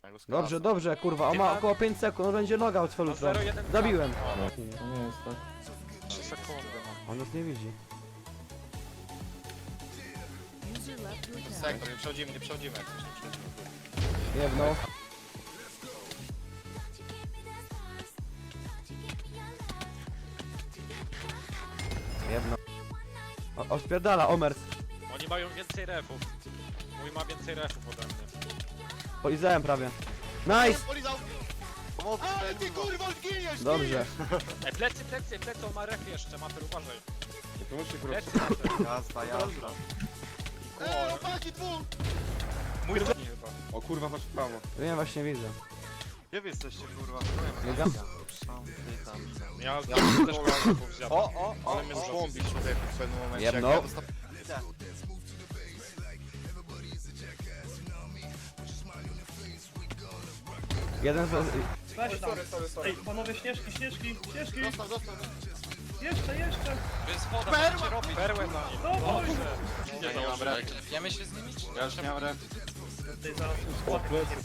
Ja go skracam. Dobrze, dobrze, kurwa, on ma około 5 sekund, on będzie noga od No, 0,1. Zabiłem. To nie jest tak. 3 sekundy mam. On nas nie widzi. Sektor, nie przechodzimy, nie przechodzimy. Jak coś nie przechodzimy. Jedno. Jedno. O, spierdala, Omer. Oni mają więcej refów. Mój ma więcej refów ode mnie. Polizałem prawie. Nice! Polizał! Pomocy, ale ty kurwa zginiesz! Dobrze. Plecy, on ma ref jeszcze, Mater, uważaj. Nie pomóżcie Plecy, Mater. Jazda, jazda. Opaki dwóch! Mój zadni chyba. O kurwa, masz prawo. Wiem, właśnie widzę. Gdzie wy jesteście kurwa? Biegam. Ja też refów zjadłem. Ale mnie złąbi człowieku w pewnym momencie. Jedno. Jak ja dostałem... Jeden z... Weź tam. Ej, panowie, śnieżki. Dostał. Jeszcze. To jest woda, co robi? Perłę na nim. No, Boże. Ja nie mam ref. Klepiemy się z nimi? Ja już miałem ref. Tutaj zaraz skład.